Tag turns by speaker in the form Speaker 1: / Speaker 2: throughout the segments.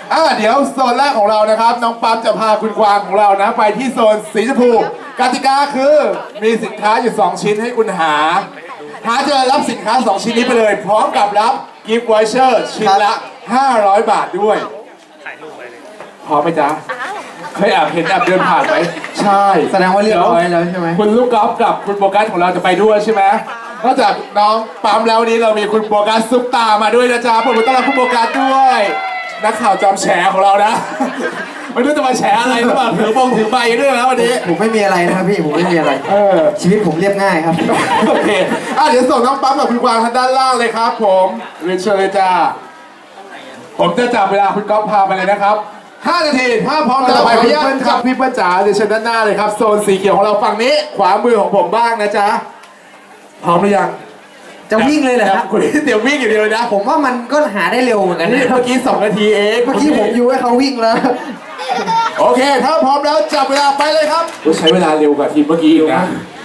Speaker 1: เดี๋ยวโซนแรกของเรานะครับน้องปั๊มจะพาคุณกวางของเรานะไปที่โซนสีชมพูกติกาคือมีสินค้าอยู่2ชิ้นให้คุณหาเจอรับสินค้า2ชิ้นนี้ไปเลยพร้อมกับรับกิฟต์วอเชอร์ชิ้นละ500 บาทด้วยพร้อมไหมจ๊ะเคยแอบเห็นแอบเดินผ่านไหมใช่
Speaker 2: แสดงว่าเรียบร้อยแล้วใช่ไหม
Speaker 1: คุณลูกกอล์ฟกับคุณโบกัสของเราจะไปด้วยใช่ไหมนอกจากน้องปั๊มแล้ววันนี้เรามีคุณโบกัสซุปตามาด้วยนะจ๊ะผมต้อนรับคุณโบกัสด้วยนักข่าวจอมแฉของเรานะไม่รู้จะมาแฉอะไรหรือเปล่าถือใบด้วยนะวันนี้
Speaker 2: ผมไม่มีอะไรนะครับพี่ผมไม่มีอะไรชีวิตผมเรียบง่ายครับ
Speaker 1: โอเคเดี๋ยวส่งน้องปั๊มกับคุณกวางทางด้านล่างเลยครับผมเรียนเชิญเลยจ้าผมจะจับเวลาคุณก๊อฟพาไปเลยนะครับ5 นาทีถ้าพร้อมจะไปพี่เปิ้ลครับพี่เปิ้ลจ๋าเดี๋ยวเชิญด้านหน้าเลยครับโซนสีเขียวของเราฝั่งนี้ขวามือของผมบ้างนะจ๊ะพร้อมหรือยัง
Speaker 2: จะวิ่งเลยเหรอครับ
Speaker 1: คุณเดี๋ยววิ่งอย่างเดียวนะ
Speaker 2: ผมว่ามันก็หาได้เร็วเหมือนกัน
Speaker 1: เมื่อกี้2 นาทีเอง
Speaker 2: เมื่อกี้ผมอยู่ให้เขาวิ่งแล้ว
Speaker 1: โอเคถ้าพร้อมแล้วจับเวลาไปเลยครับใช้เวลาเร็วกว่าทีมเมื่อกี้อีกนะ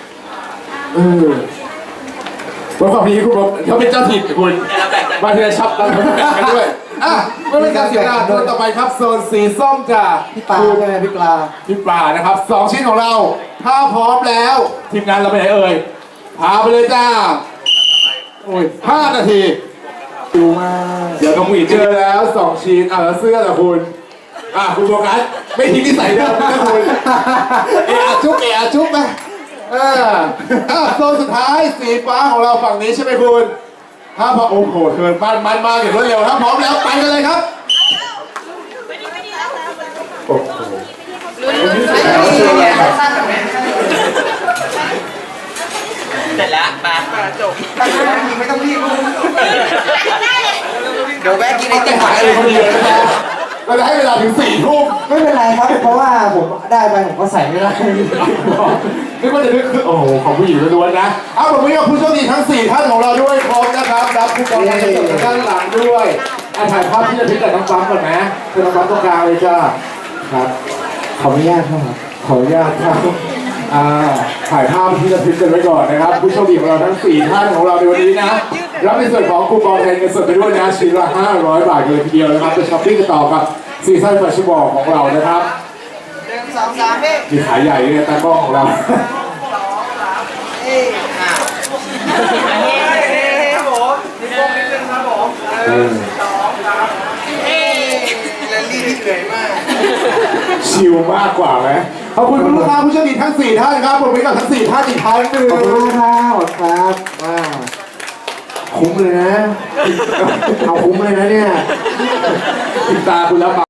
Speaker 1: วันความนี้คุณเขาเป็นเจ้าถิ่นคุณมาเทียชับกันด้วยไม่เป็นการเสียเวลาโซนต่อไปครับโซนสีส้มจ้ะ
Speaker 2: พี่ปลาใช่ไหมพี่ปลา
Speaker 1: นะครับ2 ชิ้นของเราถ้าพร้อมแล้วทีมงานเราไปไหนเอ่ยพาไปเลยจ้า5 นาทีดูมากเดี๋ยวต้องมีเจอแล้ว2 ชิ้นแล้วเสื้อล่ะคุณคุณโฟกัสไม่ทิ้งนิสัยเดิมนะคุณจุ๊บไหมโซนสุดท้ายสีฟ้าของเราฝั่งนี้ใช่ไหมคุณถ้าพอโอ้โหเกินมันมาอย่างรวดเร็วถ้าพร้อมแล้วไปกันเลยครับโอ้โห
Speaker 3: เสร็จแล้วมาจบ
Speaker 2: ไม่ต้องรีบ
Speaker 3: เดี๋ยวแวะกินไอติม
Speaker 1: หายเลยคนเดียวนะเราจะให้เวลาถึง4 ทุ่ม
Speaker 2: ไม่เป็นไรครับเพราะว่าผมได้ไปผมก็ใส่ไม่ได้
Speaker 1: นึกว่าจะนึกคือโอ้โหของผู้หญิงล้วนๆนะผมมีผู้โชคดีทั้ง4 ท่านของเราด้วยพร้อมนะครับรับคูปองมาจากด้านหลังด้วยถ่ายภาพที่จะพิจารณาน้องปั๊มก่อนนะคือน้องปั๊มตรงกลางเลยจ้าครับ
Speaker 2: ขออนุญาตครับ
Speaker 1: ขออนุญาตครับถ่ายภาพที่จะพิจารณาไว้ก่อนนะครับผู้โชคดีของเราทั้ง4 ท่านของเราในวันนี้นะรับในส่วนของคูปองแทนเงินสดไปด้วยนะชิ้นละ500 บาทเลยทีเดียวนะครับจะช้อปปิ้งกันต่อกับซีซั่นแฟชั่นบอลของเรานะครับ
Speaker 3: 1 2 3พี่
Speaker 1: มีขายใหญ่เลยตากล้องของเราชิลมากกว่าไหมขอบคุณคุณลูกค้าผู้โชคดีทั้ง4 ท่านครับผมไปกับทั้ง4 ท่านอีกครั้งหนึ่ง
Speaker 2: ขอบคุณครับคุ้มเลยนะเอาคุ้มเลยนะเนี่ย
Speaker 1: ติดตาคุณแล้ว